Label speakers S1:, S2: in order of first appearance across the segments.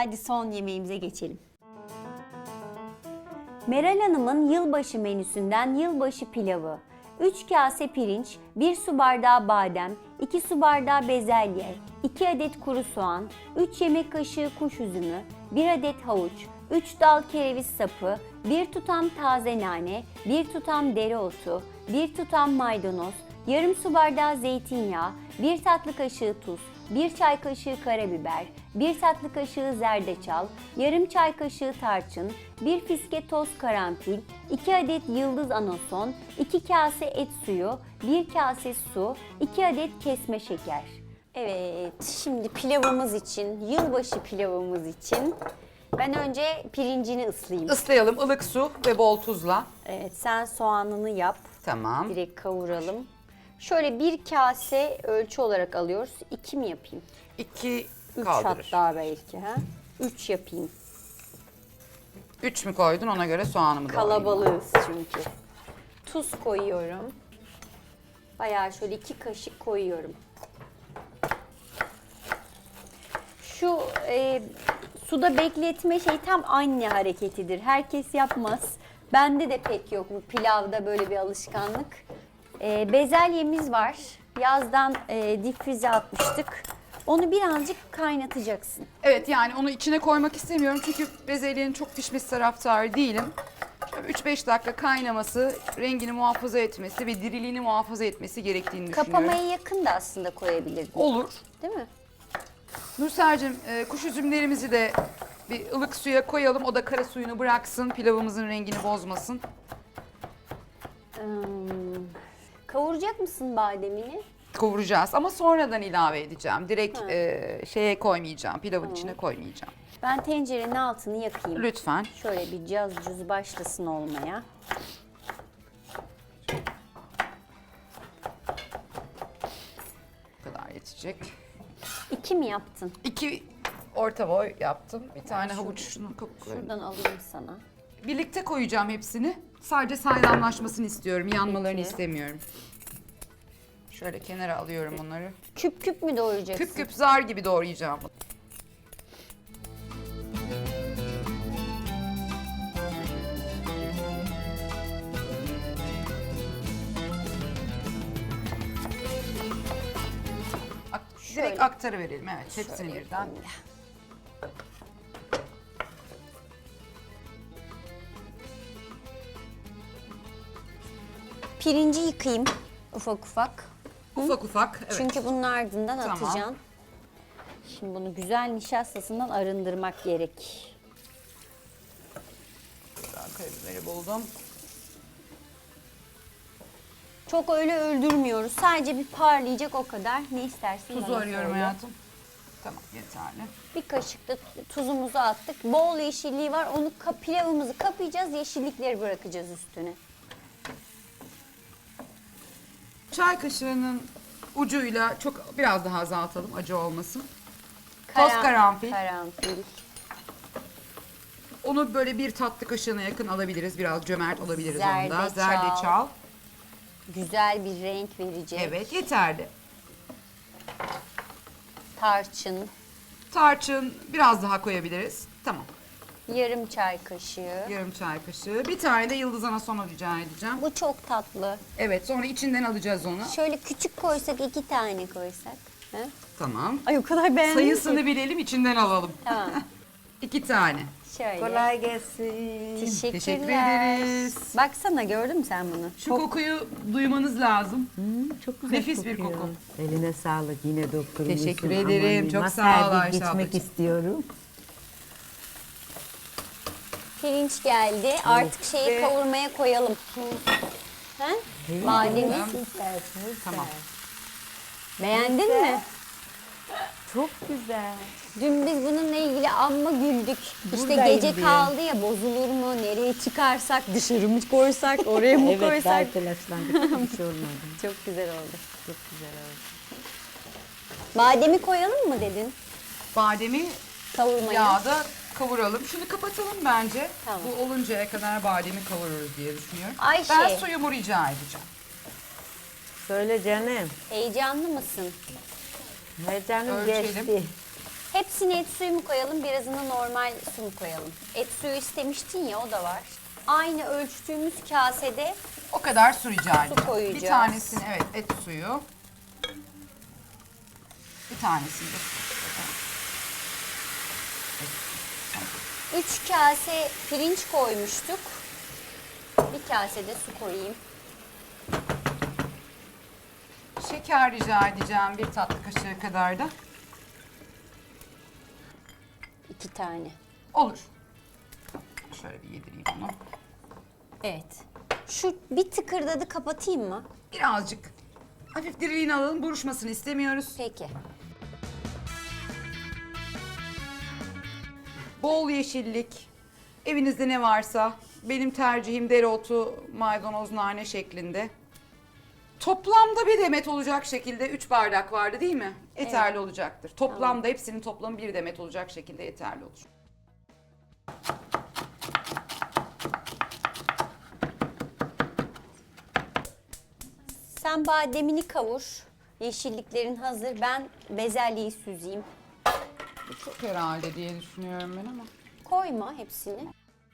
S1: Hadi son yemeğimize geçelim. Meral Hanım'ın yılbaşı menüsünden yılbaşı pilavı. 3 kase pirinç, 1 su bardağı badem, 2 su bardağı bezelye, 2 adet kuru soğan, 3 yemek kaşığı kuş üzümü, 1 adet havuç, 3 dal kereviz sapı, 1 tutam taze nane, 1 tutam dereotu, 1 tutam maydanoz, yarım su bardağı zeytinyağı, 1 tatlı kaşığı tuz, 1 çay kaşığı karabiber, 1 tatlı kaşığı zerdeçal, yarım çay kaşığı tarçın, 1 fiske toz karanfil, 2 adet yıldız anason, 2 kase et suyu, 1 kase su, 2 adet kesme şeker. Evet, şimdi pilavımız için, yılbaşı pilavımız için ben önce pirincini ıslayayım.
S2: Islayalım, ılık su ve bol tuzla.
S1: Evet, sen soğanını yap.
S2: Tamam.
S1: Direkt kavuralım. Şöyle 1 kase ölçü olarak alıyoruz. 2 mi yapayım?
S2: 2
S1: 3
S2: kaldırır.
S1: hatta belki. 3 yapayım.
S2: 3 mü koydun, ona göre soğanımı da alayım.
S1: Kalabalığız çünkü. Tuz koyuyorum. Bayağı şöyle 2 kaşık koyuyorum. Şu suda bekletme şey tam anne hareketidir. Herkes yapmaz. Bende de pek yok bu pilavda böyle bir alışkanlık. Bezelyemiz var. Yazdan difrize atmıştık. Onu birazcık kaynatacaksın.
S2: Evet, yani onu içine koymak istemiyorum çünkü bezelyenin çok pişmesi taraftarı değilim. 3-5 dakika kaynaması, rengini muhafaza etmesi ve diriliğini muhafaza etmesi gerektiğini düşünüyorum.
S1: Kapamaya yakın da aslında koyabilirdin.
S2: Olur.
S1: Değil mi?
S2: Nursel'cim, kuş üzümlerimizi de bir ılık suya koyalım. O da kara suyunu bıraksın, pilavımızın rengini bozmasın.
S1: Kavuracak mısın bademini?
S2: Kavuracağız ama sonradan ilave edeceğim. Direkt şeye koymayacağım, pilavın içine koymayacağım.
S1: Ben tencerenin altını yakayım.
S2: Lütfen.
S1: Şöyle bir caz cuz başlasın olmaya.
S2: Bu kadar yetecek.
S1: 2 mi yaptın?
S2: 2 orta boy yaptım. Bir tane havuçunu koyayım.
S1: Şuradan alayım sana.
S2: Birlikte koyacağım hepsini. Sadece saydamlaşmasını istiyorum. Yanmalarını
S1: Peki.
S2: istemiyorum. Şöyle kenara alıyorum onları.
S1: Küp küp mü doğrayacaksın?
S2: Küp küp zar gibi doğrayacağım.
S1: Şöyle.
S2: Direkt aktarıverelim. Evet, hepsini
S1: Şöyle
S2: birden.
S1: yapayım ya. Pirinci yıkayayım ufak ufak.
S2: Ufak ufak. Evet.
S1: Çünkü bunun ardından
S2: Tamam.
S1: atacaksın. Şimdi bunu güzel nişastasından arındırmak gerek.
S2: Karabiberi buldum.
S1: Çok öyle öldürmüyoruz. Sadece bir parlayacak o kadar. Ne istersin?
S2: Tuzu
S1: bana
S2: arıyorum
S1: söyle.
S2: hayatım. Tamam, yeterli.
S1: Bir kaşık da tuzumuzu attık. Bol yeşilliği var. Onu pilavımızı kapayacağız. Yeşillikleri bırakacağız üstüne.
S2: Çay kaşığının ucuyla biraz daha azaltalım, acı olmasın. Toz karanfil.
S1: Karanfil.
S2: Onu böyle bir tatlı kaşığına yakın alabiliriz. Biraz cömert olabiliriz onda.
S1: Zerdeçal.
S2: Zerdeçal.
S1: Güzel bir renk verecek.
S2: Evet, yeterli.
S1: Tarçın.
S2: Tarçın biraz daha koyabiliriz. Tamam.
S1: Yarım çay kaşığı.
S2: Yarım çay kaşığı. Bir tane de yıldız anason rica edeceğim.
S1: Bu çok tatlı.
S2: Evet, sonra içinden alacağız onu.
S1: Şöyle küçük koysak 2 tane koysak. Ha?
S2: Tamam.
S1: Ay o kadar beğendim
S2: Sayısını
S1: ki.
S2: bilelim, içinden alalım.
S1: Tamam.
S2: 2 tane.
S1: Şöyle.
S3: Kolay gelsin.
S1: Teşekkürler.
S2: Teşekkür ederiz.
S1: Baksana gördün mü sen bunu?
S2: Şu kokuyu duymanız lazım.
S3: Çok güzel
S2: Nefis bir
S3: kokuyor.
S2: koku.
S3: Eline sağlık yine doktorumuzun.
S2: Teşekkür ederim. Çok sağ ol
S3: Masaya
S2: Ayşe
S3: gitmek
S2: ablacığım.
S3: istiyorum.
S1: Pirinç geldi. Artık şeyi kavurmaya koyalım. Ha? Bademi.
S3: Süper, süper.
S2: Tamam.
S1: Beğendin mi?
S3: Çok güzel.
S1: Dün biz bununla ilgili amma güldük. İşte
S3: Buradayım
S1: gece
S3: diye.
S1: kaldı ya, bozulur mu? Nereye çıkarsak, dışarı mı koysak, oraya mı
S3: Evet, daha
S1: koysak?
S3: telaşlandık. Hiç olmadı.
S1: Çok güzel oldu.
S3: Çok güzel oldu.
S1: Bademi koyalım mı dedin?
S2: Bademi
S1: Kavurmaya.
S2: yağda kavuralım. Şunu kapatalım bence.
S1: Tamam.
S2: Bu oluncaya kadar bademi kavururuz diye düşünüyorum.
S1: Ayşe.
S2: Ben suyumu rica edeceğim.
S3: Söyle canım.
S1: Heyecanlı mısın?
S3: Heyecanım
S2: Ölçelim.
S3: geçti.
S1: Hepsine et suyu mu koyalım, birazını normal su mu koyalım? Et suyu istemiştin ya, o da var. Aynı ölçtüğümüz kasede
S2: O kadar su rica edeceğim.
S1: koyacağız.
S2: Bir tanesini evet et suyu. Bir tanesini de su.
S1: 3 kase pirinç koymuştuk. Bir kase de su koyayım.
S2: Şeker rica edeceğim bir tatlı kaşığı kadar da.
S1: 2 tane.
S2: Olur. Şöyle bir yedireyim onu.
S1: Evet. Şu bir tıkırdadı, kapatayım mı?
S2: Birazcık hafif diriliğini alalım. Buruşmasını istemiyoruz.
S1: Peki.
S2: Bol yeşillik. Evinizde ne varsa. Benim tercihim dereotu, maydanoz, nane şeklinde. Toplamda bir demet olacak şekilde 3 bardak vardı değil mi? Yeterli olacaktır. Toplamda hepsinin toplamı bir demet olacak şekilde yeterli olur.
S1: Sen bademini kavur. Yeşilliklerin hazır. Ben bezelyeyi süzeyim.
S2: Bu çok herhalde diye düşünüyorum ben ama.
S1: Koyma hepsini.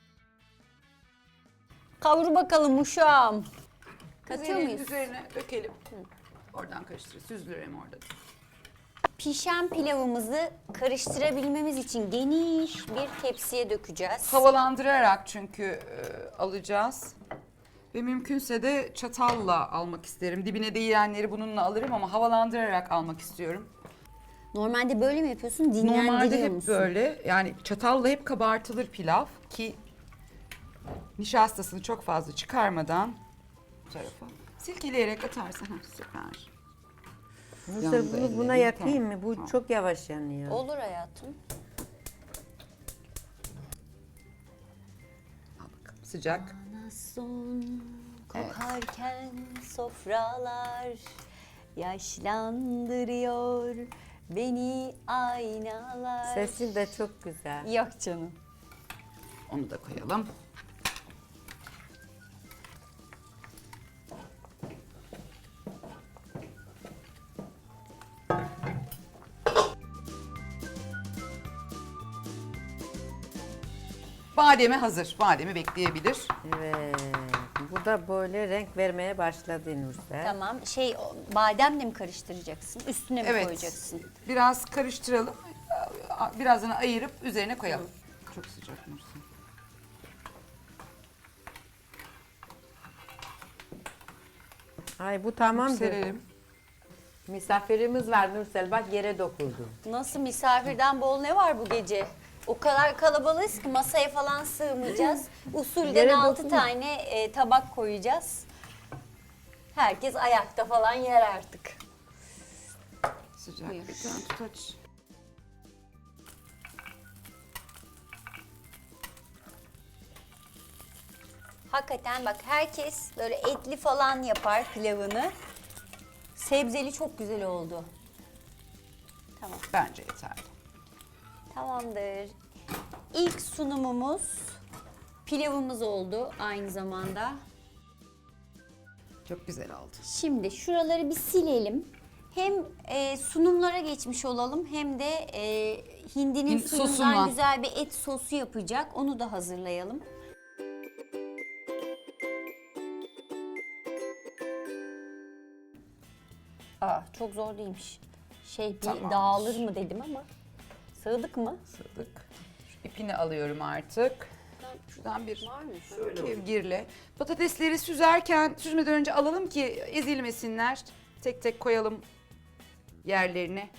S1: Kavur bakalım uşağım. Katıyor muyuz?
S2: Üzerine dökelim. Oradan karıştırır. Süzülür hem orada.
S1: Pişen pilavımızı karıştırabilmemiz için geniş bir tepsiye dökeceğiz.
S2: Havalandırarak çünkü alacağız. Ve mümkünse de çatalla almak isterim. Dibine değenleri bununla alırım ama havalandırarak almak istiyorum.
S1: Normalde böyle mi yapıyorsun? Dinlendiriyor
S2: Normalde hep
S1: musun?
S2: böyle, yani çatalla hep kabartılır pilav ki nişastasını çok fazla çıkarmadan bu tarafa silkeleyerek atarsan süper.
S3: Nursel
S2: Yandı
S3: bunu buna
S2: ellerim,
S3: yakayım
S2: tamam.
S3: mı? Bu
S2: Tamam.
S3: çok yavaş yanıyor.
S1: Olur hayatım.
S2: Al bakalım sıcak.
S1: Bana son kokarken sofralar yaşlandırıyor beni aynalar.
S3: Sesin de çok güzel.
S1: Yok canım.
S2: Onu da koyalım. Bademi hazır. Bademi bekleyebilir.
S3: Evet. Bu da böyle renk vermeye başladı Nursel.
S1: Tamam. Bademle mi karıştıracaksın? Üstüne mi
S2: Evet.
S1: koyacaksın?
S2: Biraz karıştıralım. Birazını ayırıp üzerine koyalım. Çok sıcak Nursel.
S3: Ay bu tamamdır.
S2: Serelim.
S3: Misafirimiz var Nursel, bak yere dokundu.
S1: Nasıl, misafirden bol ne var bu gece? O kadar kalabalığız ki masaya falan sığmayacağız. Usulden
S3: Yere
S1: 6
S3: dokunma.
S1: tane tabak koyacağız. Herkes ayakta falan yer artık.
S2: Sıcak.
S1: Buyur.
S2: Bir tane tut aç.
S1: Hakikaten bak, herkes böyle etli falan yapar pilavını. Sebzeli çok güzel oldu. Tamam.
S2: Bence yeterli.
S1: Tamamdır. İlk sunumumuz pilavımız oldu aynı zamanda.
S2: Çok güzel oldu.
S1: Şimdi şuraları bir silelim. Hem sunumlara geçmiş olalım hem de hindinin suyundan
S2: sosundan.
S1: güzel bir et sosu yapacak. Onu da hazırlayalım. Çok zor değilmiş. Bir
S2: Tamamdır.
S1: dağılır mı dedim ama sığdık mı?
S2: Sığdık. Şu ipini alıyorum artık. Şuradan bir
S1: Var mı?
S2: kevgirle. Patatesleri süzmeden önce alalım ki ezilmesinler. Tek tek koyalım yerlerine.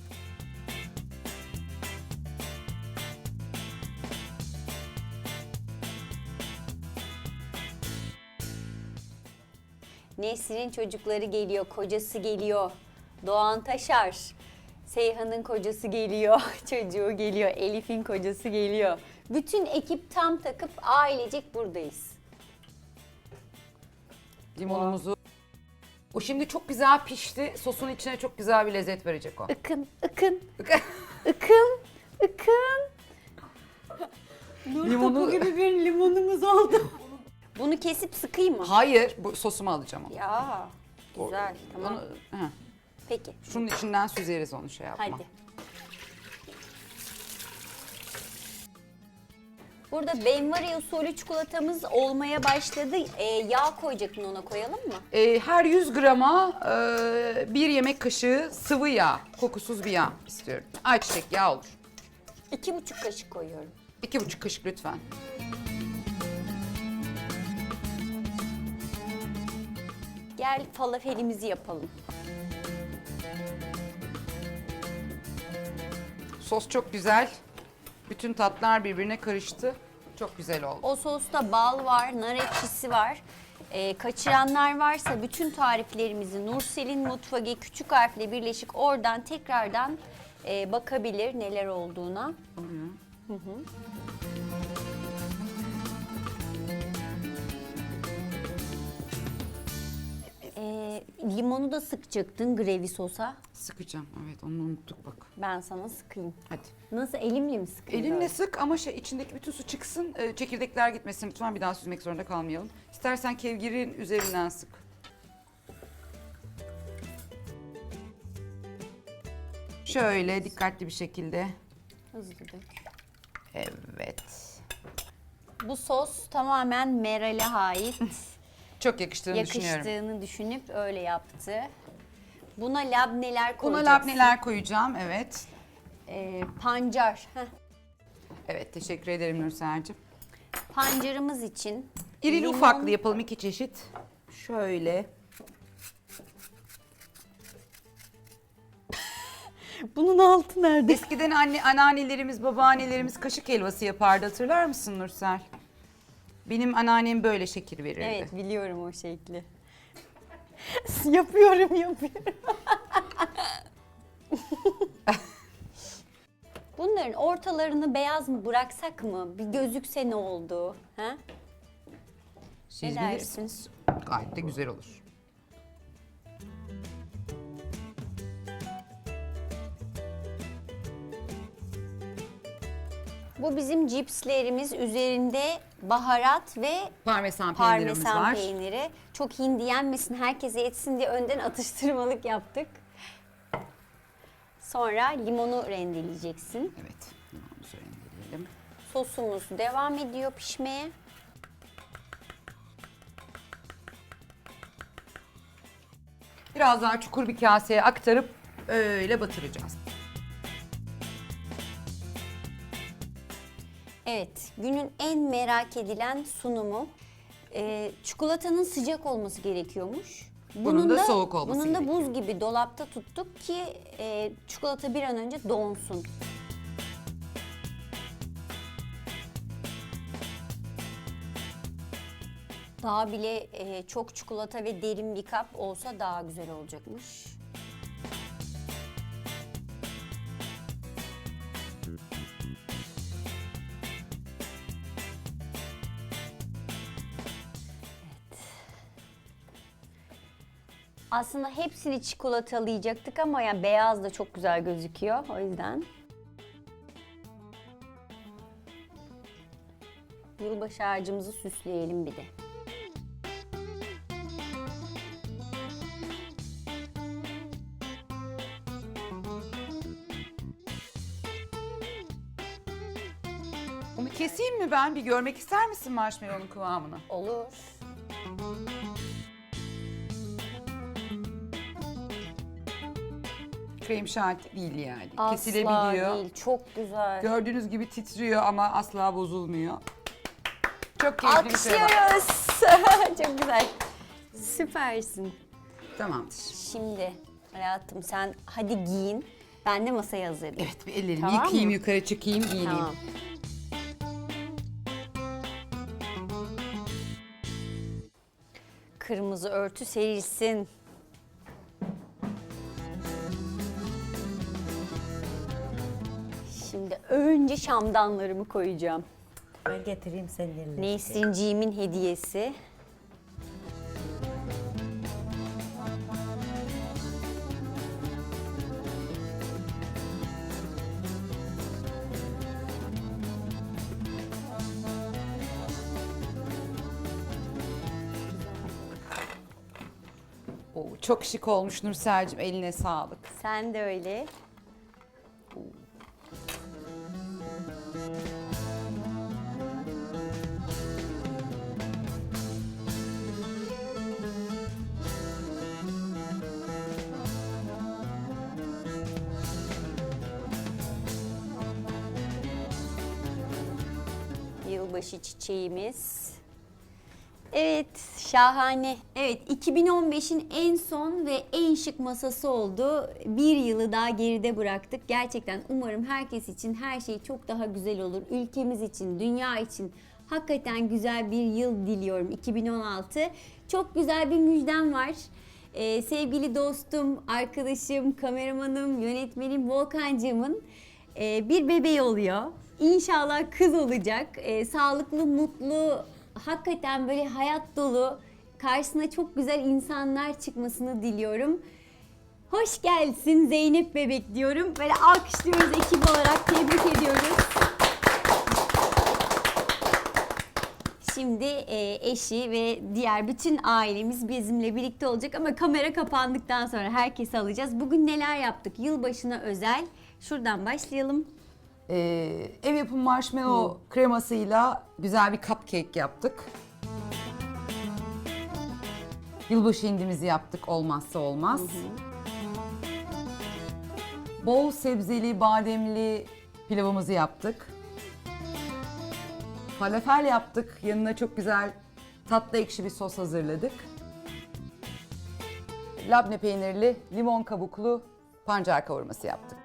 S1: Nesrin'in çocukları geliyor, kocası geliyor. Doğan Taşar, Seyhan'ın kocası geliyor, çocuğu geliyor, Elif'in kocası geliyor. Bütün ekip tam takıp ailecek buradayız.
S2: Limonumuzu. O şimdi çok güzel pişti. Sosun içine çok güzel bir lezzet verecek o.
S1: Ikın, ıkın, ıkın, ıkın.
S2: Limonu...
S1: gibi bir limonumuz oldu. Bunu kesip sıkayım mı?
S2: Hayır, bu sosumu alacağım onu.
S1: Ya, güzel, tamam.
S2: Onu,
S1: Peki,
S2: şunun içinden süzeriz onu şey yapma.
S1: hadi. Burada benvari usulü çikolatamız olmaya başladı. Yağ koyacaktın, ona koyalım mı?
S2: Her 100 grama 1 yemek kaşığı sıvı yağ, kokusuz bir yağ istiyorum. Ayçiçek yağı olur.
S1: 2,5 kaşık koyuyorum.
S2: 2,5 kaşık lütfen.
S1: Gel falafelimizi yapalım.
S2: Sos çok güzel. Bütün tatlar birbirine karıştı. Çok güzel oldu.
S1: O sosta bal var, nar ekşisi var. Kaçıranlar varsa bütün tariflerimizi Nursel'in Mutfağı küçük harfle birleşik oradan tekrardan bakabilir neler olduğuna. Hı hı. Limonu da sıkacaktın gravy sosa.
S2: Sıkacağım. Evet, onu unuttuk bak.
S1: Ben sana sıkayım.
S2: Hadi.
S1: Nasıl, elimle mi sıkayım?
S2: Elinle
S1: böyle?
S2: sık ama içindeki bütün su çıksın, çekirdekler gitmesin. Lütfen bir daha süzmek zorunda kalmayalım. İstersen kevgirin üzerinden sık. Şöyle dikkatli bir şekilde.
S1: Hızlı dök.
S2: Evet.
S1: Bu sos tamamen Meral'e ait.
S2: Çok yakıştığını düşünüyorum.
S1: Yakıştığını düşünüp öyle yaptı. Buna labneler
S2: Buna
S1: koyacaksın.
S2: labneler koyacağım, evet.
S1: Pancar. Heh.
S2: Evet, teşekkür ederim Nursel'cim.
S1: Pancarımız için
S2: İrili
S1: limon-
S2: ufaklı yapalım, 2 çeşit. Şöyle.
S1: Bunun altı nerede?
S2: Eskiden anneannelerimiz, babaannelerimiz kaşık helvası yapardı, hatırlar mısın Nursel? Benim anneannem böyle şekil verirdi.
S1: Evet, biliyorum o şekli. yapıyorum. Bunların ortalarını beyaz mı bıraksak mı? Bir gözükse ne oldu? Ha?
S2: Siz
S1: Ne
S2: bilirsiniz. Gayet de güzel olur.
S1: Bu bizim cipslerimiz, üzerinde baharat ve
S2: Parmesan peynirimiz
S1: parmesan
S2: var.
S1: peyniri. Çok hindi yenmesin, herkese yetsin diye önden atıştırmalık yaptık. Sonra limonu rendeleyeceksin.
S2: Evet. Onu rendeleyelim.
S1: Sosumuz devam ediyor pişmeye.
S2: Biraz daha çukur bir kaseye aktarıp öyle batıracağız.
S1: Evet, günün en merak edilen sunumu. Çikolatanın sıcak olması gerekiyormuş.
S2: Bunun da soğuk olması
S1: Bunun da
S2: gerekiyor.
S1: buz gibi dolapta tuttuk ki çikolata bir an önce donsun. Daha bile çok çikolata ve derin bir kap olsa daha güzel olacakmış. Aslında hepsini çikolatalayacaktık ama yani beyaz da çok güzel gözüküyor o yüzden. Yılbaşı ağacımızı süsleyelim bir de.
S2: Onu keseyim mi ben? Bir görmek ister misin marshmallow'un kıvamını?
S1: Olur.
S2: Krem şanti değil yani.
S1: Asla
S2: Kesilebiliyor.
S1: değil, çok güzel.
S2: Gördüğünüz gibi titriyor ama asla bozulmuyor. Çok keyifli bir şey var.
S1: Alkışlıyoruz. Çok güzel. Süpersin.
S2: Tamamdır.
S1: Şimdi hayatım sen hadi giyin. Ben de masayı hazırlayayım.
S2: Evet, bir ellerimi
S1: Tamam
S2: yıkayayım,
S1: mı?
S2: yukarı çıkayım, giyineyim.
S1: Tamam. Kırmızı örtü serilsin. Şimdi önce şamdanlarımı koyacağım.
S3: Ben getireyim senin eline.
S1: Nesrinciğimin hediyesi.
S2: Oo, çok şık olmuş Nursel'cim, eline sağlık.
S1: Sen de öyle. yılbaşı çiçeğimiz. Evet, şahane. Evet, 2015'in en son ve en şık masası oldu. Bir yılı daha geride bıraktık. Gerçekten umarım herkes için her şey çok daha güzel olur. Ülkemiz için, dünya için hakikaten güzel bir yıl diliyorum 2016. Çok güzel bir müjdem var. Sevgili dostum, arkadaşım, kameramanım, yönetmenim Volkancığımın bir bebeği oluyor. İnşallah kız olacak. Sağlıklı, mutlu, hakikaten böyle hayat dolu, karşısına çok güzel insanlar çıkmasını diliyorum. Hoş gelsin Zeynep bebek diyorum. Böyle alkışlıyoruz ekip olarak, tebrik ediyoruz. Şimdi eşi ve diğer bütün ailemiz bizimle birlikte olacak ama kamera kapandıktan sonra herkesi alacağız. Bugün neler yaptık? Yılbaşına özel. Şuradan başlayalım.
S2: Ev yapımı marshmallow kremasıyla güzel bir cupcake yaptık. Yılbaşı hindimizi yaptık, olmazsa olmaz. Bol sebzeli, bademli pilavımızı yaptık. Falafel yaptık. Yanına çok güzel tatlı ekşi bir sos hazırladık. Labne peynirli, limon kabuklu pancar kavurması yaptık.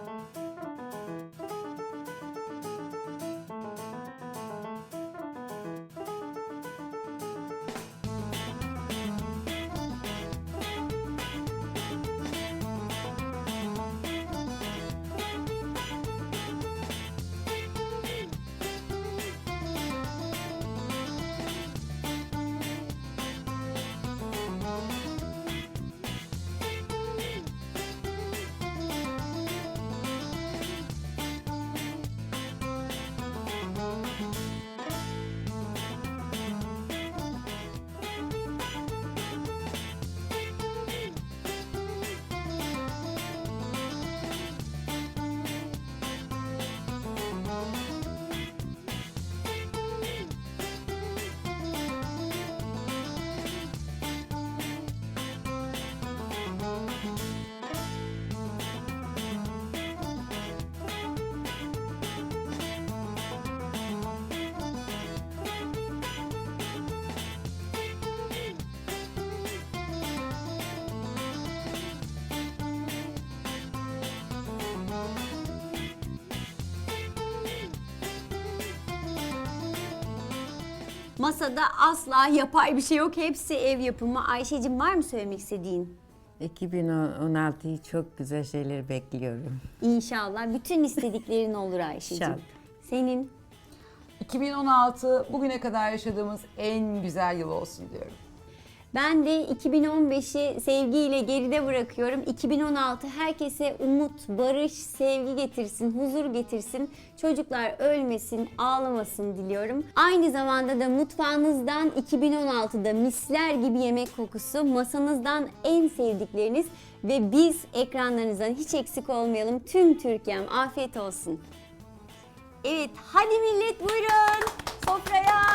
S1: Masada asla yapay bir şey yok. Hepsi ev yapımı. Ayşe'cim var mı söylemek istediğin?
S3: 2016'yı çok güzel şeyler bekliyorum.
S1: İnşallah. Bütün istediklerin olur Ayşe'cim.
S3: İnşallah.
S1: Senin?
S2: 2016 bugüne kadar yaşadığımız en güzel yıl olsun diyorum.
S1: Ben de 2015'i sevgiyle geride bırakıyorum. 2016 herkese umut, barış, sevgi getirsin, huzur getirsin. Çocuklar ölmesin, ağlamasın diliyorum. Aynı zamanda da mutfağınızdan 2016'da misler gibi yemek kokusu, masanızdan en sevdikleriniz ve biz ekranlarınızdan hiç eksik olmayalım. Tüm Türkiye'm afiyet olsun. Evet, hadi millet buyurun sofraya.